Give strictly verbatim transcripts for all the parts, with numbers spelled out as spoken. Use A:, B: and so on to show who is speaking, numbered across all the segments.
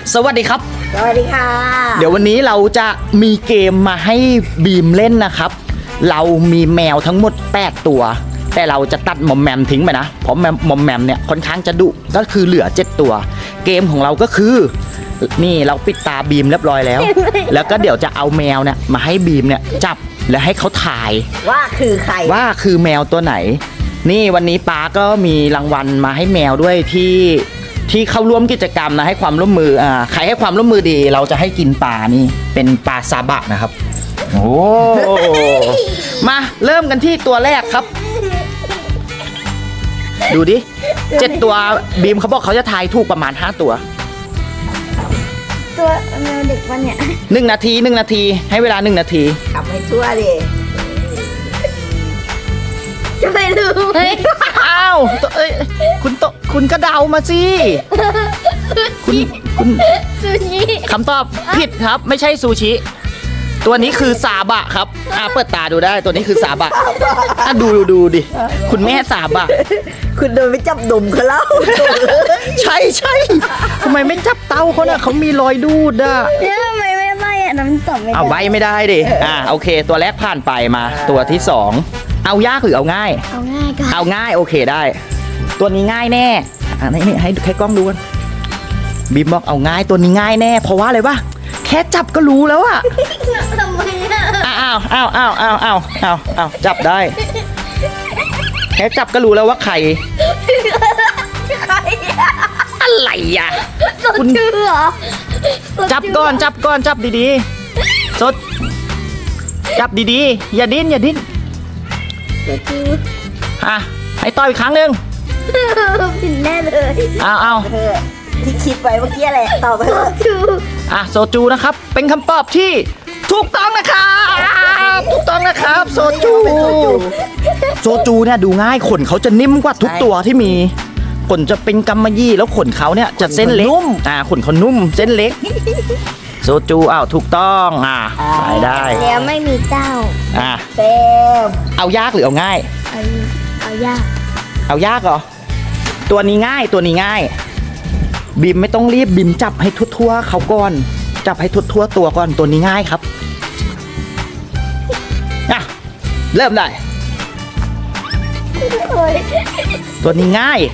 A: สวัสดีครับ
B: สวัสดีค่ะ
A: เดี๋ยววันนี้เราจะมีเกมมาให้บีมเล่นนะครับเรามีแมวทั้งหมดแปดตัวแต่เราจะตัดมอมแมมทิ้งไปนะเพราะมอมแมมเนี่ยค่อนข้างจะดุก็คือเหลือเจ็ดตัวเกมของเราก็คือนี่เราปิดตาบีมเรียบร้อยแล้ว แล้วก็เดี๋ยวจะเอาแมวเนี่ยมาให้บีมเนี่ยจับและให้เขาถ่าย
B: ว่าคือใคร
A: ว่าคือแมวตัวไหนนี่วันนี้ป้าก็มีรางวัลมาให้แมวด้วยที่ที่เข้าร่วมกิจกรรมนะให้ความร่วมมืออ่าใครให้ความร่วมมือดีเราจะให้กินปลานี่เป็นปลาซาบะนะครับโอ้มาเริ่มกันที่ตัวแรกครับดูดิเจ็ดตัวบีมเขาบอกเขาจะทายถูกประมาณห้าตัว
C: ตัวแมวเด็กวันเนี่ย
A: หนึ่งนาทีหนึ่งนาทีให้เวลาหนึ่งนาที
B: ทำให้ทั่วดิ
C: จะไปรู้ไหม
A: อ้าวเอ้ยคุณโตคุณก็เดามาสิคุณคุณ
C: ซูชิ
A: คำตอบผิดครับไม่ใช่ซูชิตัวนี้คือซาบะครับอ่าเปิดตาดูได้ตัวนี้คือซาบะอ่ะดูดูดูดิคุณแม่ซาบะ
B: คุณเดินไปจับดุมเขาแล้ว
A: ใช่ใช่ทำไมไม่จับเต้าเขาเนี่ยเขามีรอยดูดอ่ะ
C: เนี่ยทำไมไม่ใบอ่ะน้ำตอบไม่ได้
A: เอาใบไม่ได้ดิอ่าโอเคตัวแรกผ่านไปมาตัวที่สองเอายากหรือเอาง่าย
C: เอาง่ายก่อน
A: เอาง่ายโอเคได้ตัวนี้ง่ายแน่อ่านี่ให้ให้กล้องดูกันบีมบอกเอาง่ายตัวนี้ง่ายแน่เพราะว่าอะไรวะแค่จับก็รู้แล้วอะ
C: ทำไมอ่ะ
A: อ้าวอ้าวอ้าวอ้าวอ้าวอ้าวอ้าวจับได้แค่จับก็รู้แล้วว่าใคร
C: ใคร
A: อะไรอ่ะ
C: คุณชื่อเหรอ
A: จับก่อนจับก่อนจับดีๆสดจับดีๆอย่าดิ้นอย่าดิ้นอ่ะให้ต่ออีกครั้งหนึ่ง
C: ผิดแน่เลย
A: อ้าวอ้าว
B: ที่คิดไปเมื่อกี้แหละตอบไปเลย
A: อ่ะโซจูนะครับเป็นคำตอบที่ถูกต้องนะครับถูกต้องนะครับโซจูโซจูเนี่ยดูง่ายขนเขาจะนิ่มกว่าทุกตัวที่มีขนจะเป็นกำมะหยี่แล้วขนเขาเนี่ยจะเส้นเล็กอ่าขนเขานุ่มเส้นเล็กโซจูอ้าวถูกต้องอ่าไปได้
C: แล้วไม่มีเต้า
A: อ่า
B: เต็ม
A: เอายากหรือเอาง่าย
C: เอาเอายาก
A: เอายากเหรอตัวนี้ง่ายตัวนี้ง่ายบีมไม่ต้องรีบบีมจับให้ทั่วๆเขาก่อนจับให้ทั่วๆตัวก่อนตัวนี้ง่ายครับอ่ะเริ่มได้ตัวนี้ง่าย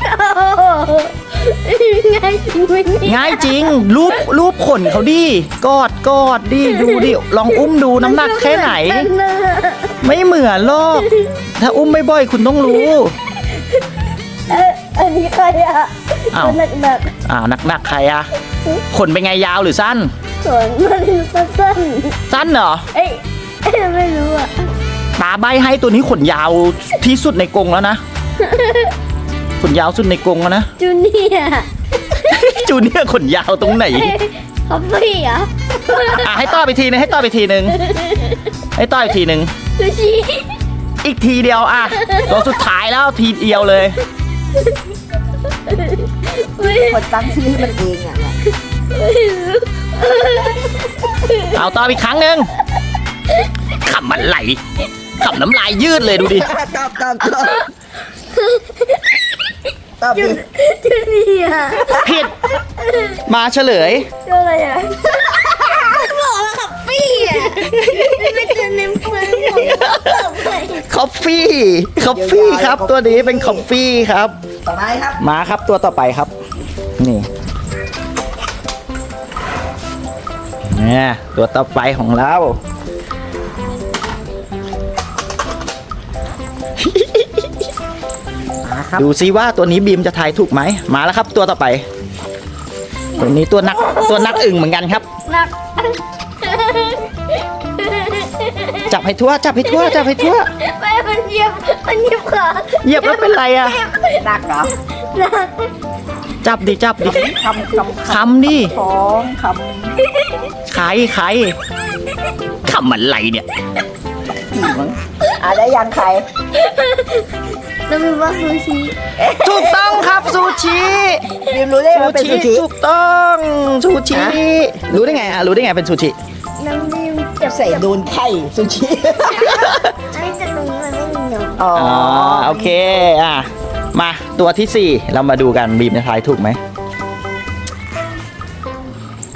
C: ง่ายจริงไหม
A: ง่ายจริงรูปรูปขนเขาดิกอดกอดดิดูดิลองอุ้มดูน้ำหนักแค่ไหนไม่เหมือนหรอกถ้าอุ้มไม่บ่อยคุณต้องรู้
C: อันนี้ใครอ่ะหนักหนัก
A: อ่าหนักหนักใครอ่ะขนเป็นไงยาวหรือสั้น
C: ขนมันสั้น
A: สั้นเหรอ
C: เอ้ยไม่รู้อ่ะ
A: ตาใบให้ตัวนี้ขนยาวที่สุดในกรงแล้วนะขนยาวสุดในกรงแล้วนะ
C: จูเนียร์
A: จูเนียร์ขนยาวตรงไหน
C: คอฟฟี่อ่ะ
A: อ่ะให้ต่อไปทีนึงให้ต่อไปทีนึงให้ต่ออีกทีนึง
C: ซูชิ
A: อีกทีเดียวอ่ะตัวสุดท้ายแล้วทีเดียวเลย
B: คนตั้งชื่อมันเองอ่ะ
A: เอาต่ออีกครั้งหนึ่งขำมันไหลขำน้ำลายยืดเลยดูดิ
B: ตอบตอบตอบตอบดิ
C: จูเนียร์
A: ผิดมาเฉลย
C: อะไรอ่ะบอกว่าคอฟฟี่อ่ะไม่เจอเนมเพลง
A: คอฟฟี่คอฟฟี่ครับตัวนี้เป็นคอฟฟี่ครับ
B: ต่อไปครับ
A: มาครับตัวต่อไปครับนี่เนี่ยตัวต่อไปของเราดูซิว่าตัวนี้บีมจะทายถูกไหมมาแล้วครับตัวต่อไปตัวนี้ตัวนักตัวนักอึ่งเหมือนกันครับ
C: นัก
A: จับให้ทั่วจับให้ทั่วจับให้ทั่ว
C: ไม่มันเหยียบมันเหยียบขา
A: เหยียบแล้วเป็นไรอะ
B: นักเหรอ
A: จับดิจับดิ
B: คำคำ
A: คำดิ
B: ของค
A: ำใครใครคำมันไรเนี่ย
B: อะไรยังใคร
C: แล้วมีว่าซูชิ
A: ถูกต้องครับซูชิ
B: บีมรู้ได้ว่าเป็นซูชิ
A: ถูกต้องซูชิรู้ได้ไงอ่ะรู้ได้ไงเป็นซูชิ
C: น้ำบีม
B: จะใส่โดนไข่ซูชิ
C: อันนี้จะตรงนี้มันไม่มีหนม
A: อ๋อโอเคอ่ะมาตัวที่สี่เรามาดูกันบีมจะทายถูกไหม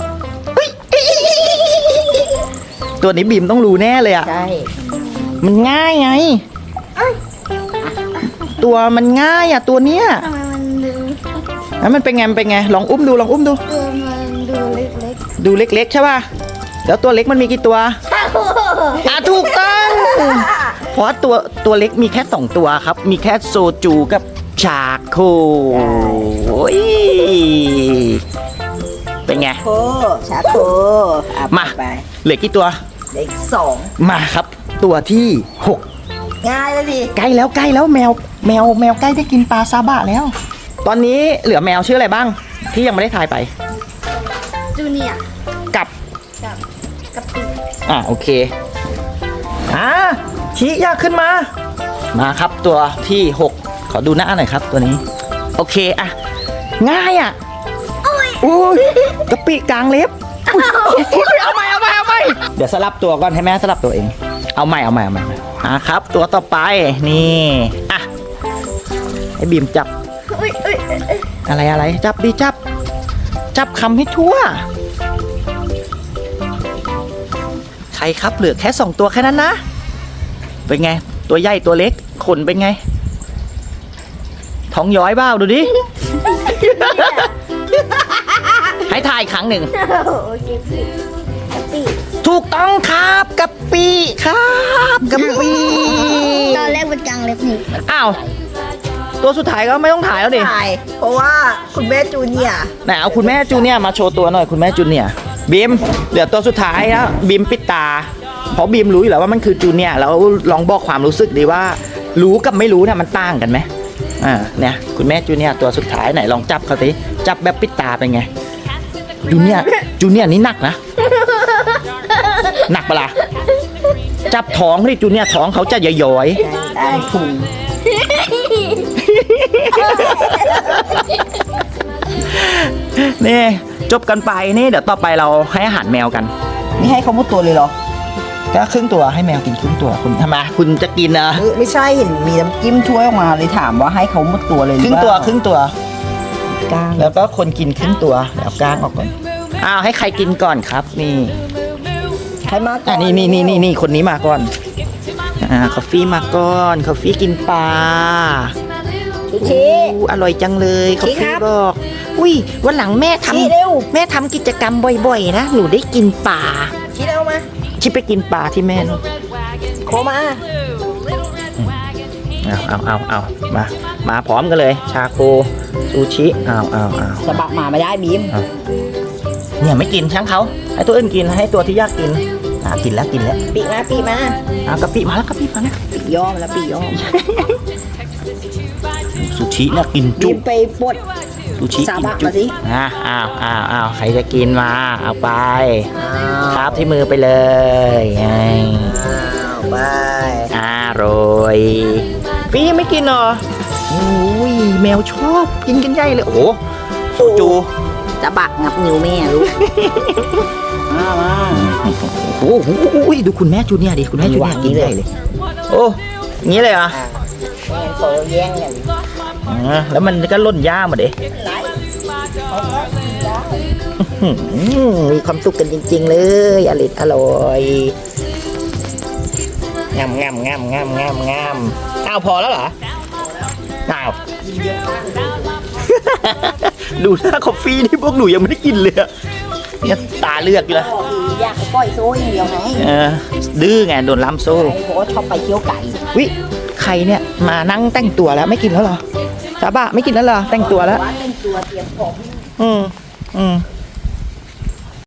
A: ตัวนี้บีมต้องรู้แน่เลยอะ
B: ใช่
A: มันง่ายไง ตัวมันง่ายอะตัวเนี้ย
C: ทำไมมันดู
A: แล้วมันเป็นไงมันเป็นไงลองอุ้มดูลองอุ้มดู
C: ตัวมันดูเล็ก
A: ดูเล็กๆใช่ป่ะแล้วตัวเล็กมันมีกี่ตัว
C: ๆ
A: อ่ะถูกต้อง เพราะตัวตัวเล็กมีแค่สองตัวครับ มีแค่โซจูกับชาโคโอ้ยเป็นไง
B: โคชาโคอ่ะ
A: มา
B: ไป
A: เหลือกี่ตัว
B: เด็กสอง
A: มาครับ ตัวที่หก
B: ง่ายเลยดิ
A: ใกล้แล้วใกล้แล้วแมวแมวแมวใกล้ได้กินปลาซาบะแล้ว ตอนนี้เหลือแมวชื่ออะไรบ้าง ที่ยังไม่ได้ทายไป
C: จูเนียร์
A: กับ
C: กับกับปี
A: อ่ะโอเคอ่ะชี้ยากขึ้นมา มาครับตัวที่หกขอดูหน้าหน่อยครับตัวนี้ โอเคอ่ะง่ายอ่ะอุ้ยกะปิกลางเล็บอุ๊ยเอาใหม่เอาใหม่เอาใหม่เดี๋ยวสลับตัวก่อนให้แม่สลับตัวเอง เอาใหม่เอาใหม่เอาใหม่อ่ะครับ ตัวต่อไปนี่อ่ะให้บีมจับ
C: อุ้ยอุ้ยอุ้ยอุ้ย
A: อะไรอะไรจับดีจับ จับคำให้ทั่ว ใครครับเหลือแค่สองตัวแค่นั้นนะ เป็นไง ตัวใหญ่ตัวเล็กขนเป็นไง ท้องย้อยเบ้าดูดิ ให้ทายครั้งหนึ่ง
C: โอเคปีกับปี
A: ถูกต้องครับกะปิครับกะปิ
C: ตอนแรกมันกลางเล็บนี่
A: อ้าวตัวสุดท้ายก็ไม่ต้องถ่ายแล้วดิ
B: ถ่ายเพราะว่าคุณแม่จูเนียร์
A: ไหนเอาคุณแม่จูเนียร์มาโชว์ตัวหน่อยคุณแม่จูเนียร์บีมเหลือตัวสุดท้ายแล้วบีมปิดตา เพราะบีมรู้อยู่แล้วว่ามันคือจูเนียร์แล้วลองบอกความรู้สึกดีว่า รู้กับไม่รู้เนี่ยมันต่างกันไหมอ่าเนี่ยคุณแม่จูเนียร์ตัวสุดท้ายไหนลองจับเขาสิจับแบบปิดตาเป็นไงจูเนียร์จูเนียร์นี่หนักนะหนักปะล่ะจับท้องที่จูเนียร์ท้องเขาจะย้อยๆ
B: ได้ถุง
A: นี่จบกันไปนี่เดี๋ยวต่อไปเราให้อาหารแมวกัน
B: นี่ให้เขาหมดตัวเลยเหรอ
A: ก็ครึ่งตัวให้แมวกินครึ่งตัวคุณทำไมคุณจะกินนะ
B: เออไม่ใช่เห็นมีน้ำจิ้มถ้วยออกมาเลยถามว่าให้เขาหมดตัวเลยห
A: ค
B: อ
A: รึ่งตัว
B: เปล่า
A: ครึ่งตัว
B: กล้าง
A: แล้วก็คนกินครึ่งตัวแล้วกล้างออกก่อนอ้าวให้ใครกินก่อนครับนี่
B: ใครมาก่
A: อ่ะ
B: อน
A: นี่นี่นี่นี่นี่คนนี้มาก่อนอ่าคอฟฟี่มาก่อนคอฟฟี่กินปลา
B: ชิชิ
A: อู้อร่อยจังเลยคอฟ
B: ชี้ค
A: ฟี่
B: รับ
A: บอกอุ้ยวันหลังแม่ท
B: ชี้เร็ว
A: ำแม่ทำกิจกรรมบ่อยๆนะหนูได้กินปลา
B: ชิเอามา
A: ชิไปกินปลาที่แม่นู่น
B: โคมา
A: เอาเอาเอาเอามา มาพร้อมกันเลย ชาโคซูชิเอาเอาเอา
B: สะบักหมาไม่ได้บีม
A: เนี่ยไม่กินช่างเขาให้ตัวอื่นกินให้ตัวที่อยากกินอ่ากินแล้วกินแล้ว
B: ปีมาปีมา
A: เอากะปิมาแล้วกะปิมาแล้ว
B: ปีย่อมแล้วปีย่อม
A: ซูชิเนี่ยกิน
B: บี
A: จุ
B: มไปปลด
A: ซูชิ
B: ซา
A: กิน
B: บะ
A: จุ
B: มาสิ
A: อ่าอ้าวอ้าวอ้าวใครจะกินมาเอาไป
B: อ้า
A: คว รับที่มือไปเลยไง
B: อ้าวไป
A: อร่อยฟีไม่กินเหรอโอ้ยแมวชอบกินกันใหญ่เลยโอ้โหโซจู
B: จะบักงับนิ้วแม่ลูกมามา
A: โอ้โหดูคุณแม่จูเนียร์ดิคุณแม่จูเนียร์กินใหญ่เลย โอ้อย่างนี้เลยเหรอ
B: อ่ะแม่โซแย่งกัน
A: อ่าแล้วมันก็ล่นย่ามาเด็
B: ไรเขาก็กินได้
A: มีความสุขกันจริง ๆ เลยอร่อยอร่อยงามงามงามงามงามงามอ้าวพอแล้วเหรออ้าว ดูหน้าคอฟฟี่นี่พวกหนูยังไม่ได้กินเลยอะเนี่ยตาเลือกอยู่แล้ว
B: บอกอีอยากให้ปล่อยโซ่อย่างเดียวไง
A: เออดื้อไงโดนล้ำโซ่
B: ไอ้บอกว่าชอบไปเที่ยวไก่
A: วิใครเนี่ยมานั่งแต่งตัวแล้วไม่กินแล้วเหรอซาบะไม่กินแล้วเหรอแต่งตัวแล้ว
B: ว่าเป็นตัวเตรียมของ
A: อืมอืม